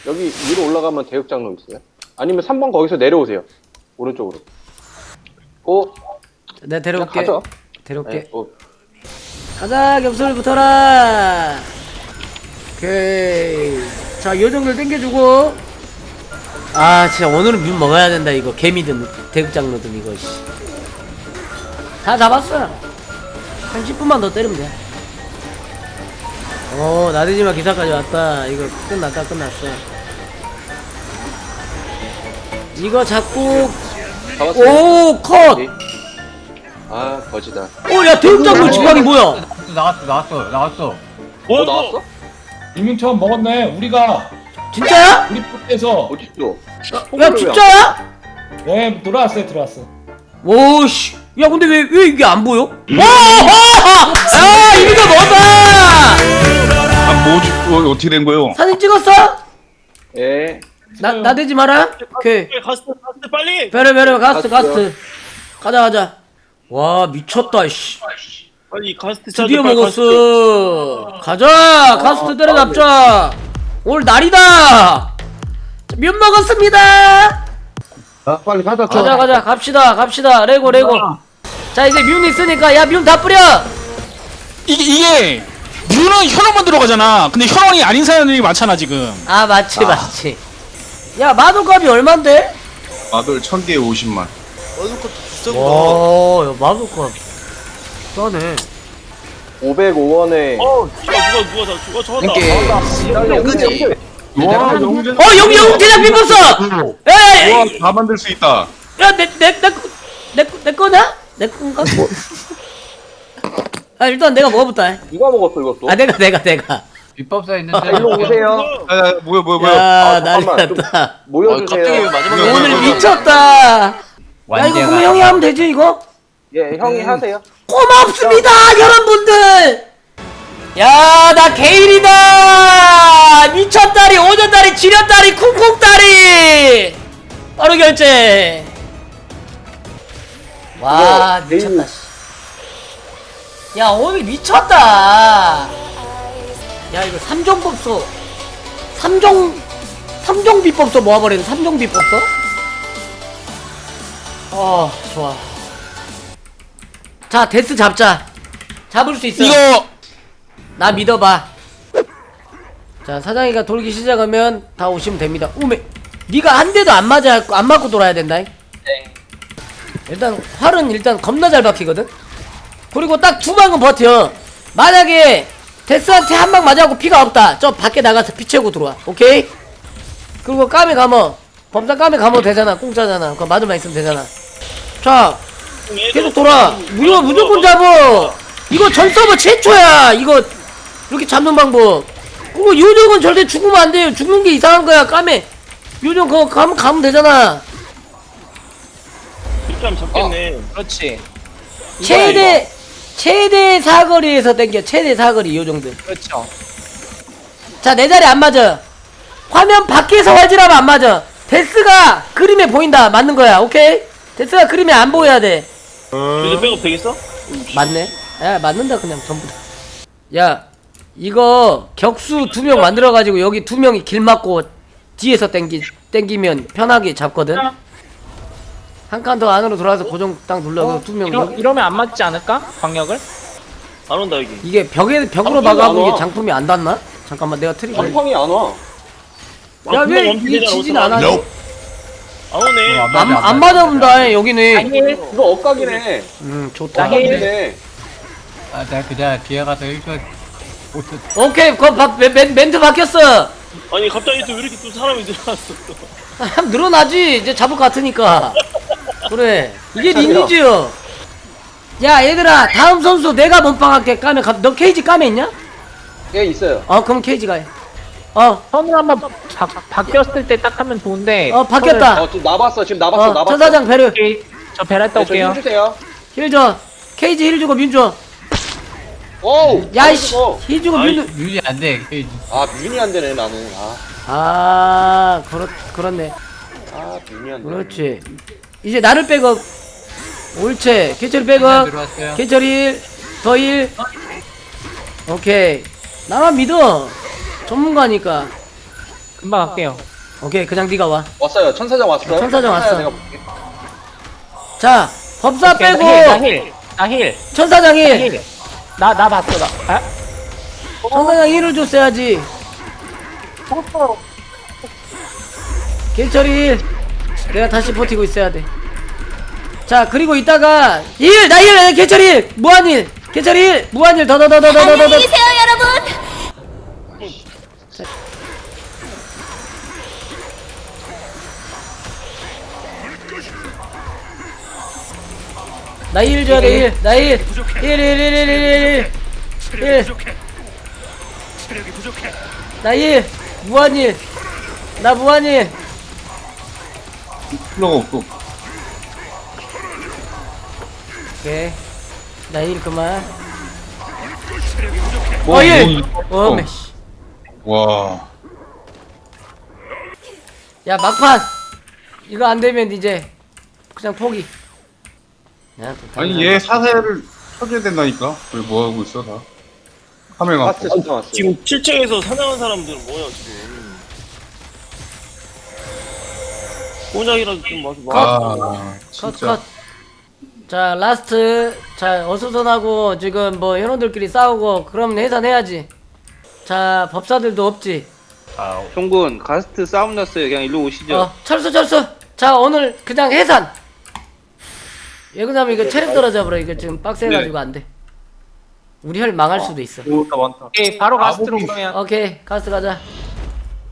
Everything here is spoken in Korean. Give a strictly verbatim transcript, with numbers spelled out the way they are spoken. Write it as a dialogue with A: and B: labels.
A: 여기 위로 올라가면 대역장로 있어요? 아니면 삼 번 거기서 내려오세요. 오른쪽으로. 오.
B: 내가 데려올게.
A: 가죠.
B: 데려올게.
A: 네, 오.
B: 가자, 겹술 붙어라. 오케이. 자, 요정들 땡겨주고. 아, 진짜 오늘은 뮤 먹어야 된다, 이거. 개미든, 대극장로든, 이거, 씨. 다 잡았어. 한 십 분만 더 때리면 돼. 어, 나대지마 기사까지 왔다. 이거 끝났다, 끝났어. 이거 잡고.
A: 잡았어요.
B: 오, 컷!
A: 네. 아, 거지다.
B: 오, 야, 대극장로 집합이 뭐야?
C: 나왔어 나왔어 나왔어.
A: 어, 나왔어?
D: 이민처럼 먹었네. 우리가
B: 진짜야?
D: 우리 포트에서
A: 어딨어?
B: 야, 진짜야?
D: 네 들어왔어요 들어왔어.
B: 오씨, 야 근데 왜 왜 이게 안 보여? 와, 야 이거 뭐다?
E: 아, 뭐, 주- 어, 어떻게 된 거요?
B: 사진 찍었어?
A: 예.
B: 나 나대지 마라. 오케이.
F: 가스 가스 빨리.
B: 베르 베르 가스트
A: 갔어요.
B: 가스트. 가자 가자. 와 미쳤다 씨.
F: 빨리 가스
B: 드디어 먹었어. 가자 가스트 때려잡자. 오늘 날이다. 면 먹었습니다.
E: 아, 빨리 가자,
B: 가자 가자 갑시다 갑시다 레고 레고. 자 이제 뮨 있으니까 야 뮨 다 뿌려.
G: 이게 이게 뮤는 현원만 들어가잖아. 근데 현원이 아닌 사람들이 많잖아 지금.
B: 아 맞지 맞지. 야 마도값이 얼만데?
E: 마돌 천 개에 오십만.
B: 와, 야, 마도값 싸네.
A: 오백오 원에.
F: 어 누가 누가 누가 다 누가 저거다.
A: 그지?
E: 와, 영재.
B: 어, 여기 여기 대장 비뻤어. 에이,
E: 와, 다 만들 수 있다.
B: 야, 내 내 내 내 내 거냐? 내 건가? 아, 일단 내가 먹어볼다.
A: 누가 먹었어, 이것도?
B: 아, 내가 내가 내가.
C: 비법사 있는데.
A: 아, 일로 오세요.
E: 야, 야, 뭐야, 뭐야, 뭐야.
B: 야,
A: 아,
B: 난리
A: 잠깐만, 좀-
B: 났다.
A: 모여주세요.
E: 마지막에
B: 오늘 미쳤다. 야, 이거
C: 완제가-
B: 그럼 형이 하면 되지 이거?
A: 예, 형이 하세요.
B: 고맙습니다, 여러분들. 야, 나 게일이다. 미쳤다리, 오전다리, 지렸다리, 쿵쿵다리. 바로 결제. 와,
A: 이거
B: 미쳤다. 씨. 야, 오늘 미쳤다. 야, 이거 삼종 법소. 삼종, 삼종 비법소 모아버리는 삼종 비법소? 어, 좋아. 자, 데스 잡자. 잡을 수 있어.
G: 이거
B: 나 믿어봐. 자, 사장이가 돌기 시작하면 다 오시면 됩니다. 오메, 네가 한 대도 안 맞아, 안 맞고 돌아야 된다. 네. 일단 활은 일단 겁나 잘 박히거든. 그리고 딱 두 방은 버텨. 만약에 데스한테 한 방 맞아갖고 피가 없다. 저 밖에 나가서 피 채우고 들어와. 오케이? 그리고 까메 감어. 범사 까메 감어 되잖아. 공짜잖아. 그거 맞으만 있으면 되잖아. 자, 계속 돌아. 무조, 무조건 잡어. 이거 전 서버 최초야. 이거 이렇게 잡는 방법. 그리고 요정은 절대 죽으면 안 돼요. 죽는 게 이상한 거야. 까메. 요정 그거 가면 가면 되잖아.
F: 이렇게 하면 잡겠네.
G: 그렇지.
B: 최대 최대 사거리에서 땡겨. 최대 사거리 요정들.
G: 그렇죠.
B: 자, 내 자리 안 맞아. 화면 밖에서 활질하면 안 맞아. 데스가 그림에 보인다. 맞는 거야. 오케이? 데스가 그림에 안 보여야 돼.
F: 이제 백업 되겠어?
B: 맞네. 야, 맞는다 그냥 전부 다. 야, 이거 격수 두 명 만들어 가지고 여기 두 명이 길 막고 뒤에서 땡기 땡기면 편하게 잡거든. 한 칸 더 안으로 들어와서 고정 딱 눌러. 두 명.
H: 이러, 이러면 안 맞지 않을까? 광역을?
F: 안 온다 여기.
B: 이게 벽에 벽으로
A: 장풍이
B: 박아본
A: 안
B: 게
A: 와.
B: 장품이 안 닿나? 잠깐만 내가 트릭.
A: 장펑이 안 와.
B: 야,
F: 아,
B: 왜
F: 금방
B: 이게
F: 원피스잖아,
B: 지진
F: 어떡하나.
B: 안 하지?
F: 안 오네.
B: 안, 안 맞아본다 여기는.
A: 이거 엇각이네.
B: 음, 좋다.
A: 엇각이네.
C: 아, 내가 그냥 뒤에 가서 일주일 못
B: 오케이, 그거 바, 멘, 멘- 멘트 바뀌었어.
F: 아니 갑자기 또 왜 이렇게 또 사람이 늘어났어?
B: 아, 늘어나지. 이제 잡을 것 같으니까. 그래. 이게 리니지요. 야, 얘들아, 다음 선수 내가 몸빵할게. 까면 가, 너 케이지 까면 있냐?
A: 예, 있어요.
B: 어, 그럼 케이지가 해. 어,
H: 선을 한번 바, 바뀌었을 때 딱 하면 좋은데.
B: 어, 바뀌었다.
A: 어, 지금 나봤어. 지금 나봤어.
B: 어,
A: 나봤어.
B: 천사장 베르.
H: 오케이. 저 베랄타
A: 네, 저
H: 올게요.
A: 해주세요.
B: 힐 줘. 케이지 힐 주고 민 줘.
A: 오우.
B: 야, 이씨.
A: 어.
B: 힐 주고 민 줘.
C: 유지 안 돼.
A: 아, 뮤니 안 되네, 나는. 아,
B: 아, 그렇, 그렇네.
A: 아, 뮤니 안 되네.
B: 그렇지. 이제 나를 백업. 옳지. 개철이 백업.
C: 들어왔어요.
B: 개철 일. 더 일. 오케이. 나만 믿어. 전문가니까.
H: 금방 갈게요.
B: 오케이 그냥 네가 와.
A: 왔어요. 천사장 왔어요.
B: 천사장 왔어.
A: 내가 볼게.
B: 자 법사
H: 오케이,
B: 빼고
H: 나 힐, 나 힐,
B: 천사장이
H: 나 힐. 나, 나 봤어, 나. 아?
B: 천사장 힐을 줬어야지. 길철이 일. 내가 다시 버티고 있어야 돼. 자 그리고 이따가 일! 나 일! 길철이 일! 무한일! 길철이 일! 무한일 더더더더더더더.
I: 안녕히 계세요, 여러분.
B: 나 일 줘야 돼 일! 나 일! 일! 일! 일! 일! 일! 일! 일! 나 일! 무한일! 나 무한일!
E: 필요가 없고.
B: 오케이 나 일 그만.
E: 뭐,
B: 어 일!
E: 뭐,
B: 어메 씨.
E: 와.
B: 야 막판! 이거 안되면 이제 그냥 포기. 야, 또 다른
E: 아니 얘 사세를 쳐줘야 된다니까. 왜 뭐 하고 있어 다? 카메라
A: 파스
E: 갖고.
A: 천사 왔어요.
F: 지금 칠 층에서 사냥한 사람들은 뭐야 지금? 꼬작이라도 좀 마셔 봐.
E: 아
B: 컷,
E: 진짜.
B: 컷. 자, 라스트. 자, 어수선하고 지금 뭐 현원들끼리 싸우고 그러면 해산해야지. 자, 법사들도 없지.
J: 형군 가스트 싸움 났어요. 그냥 일로 오시죠.
B: 어, 철수, 철수. 자, 오늘 그냥 해산. 예근하면 이거 체력 떨어져버려. 이거 지금 빡세가지고 안 돼. 우리 혈 망할 수도 있어.
H: 오케이, 바로 가스트로 그러면.
B: 오케이, 가스 가자.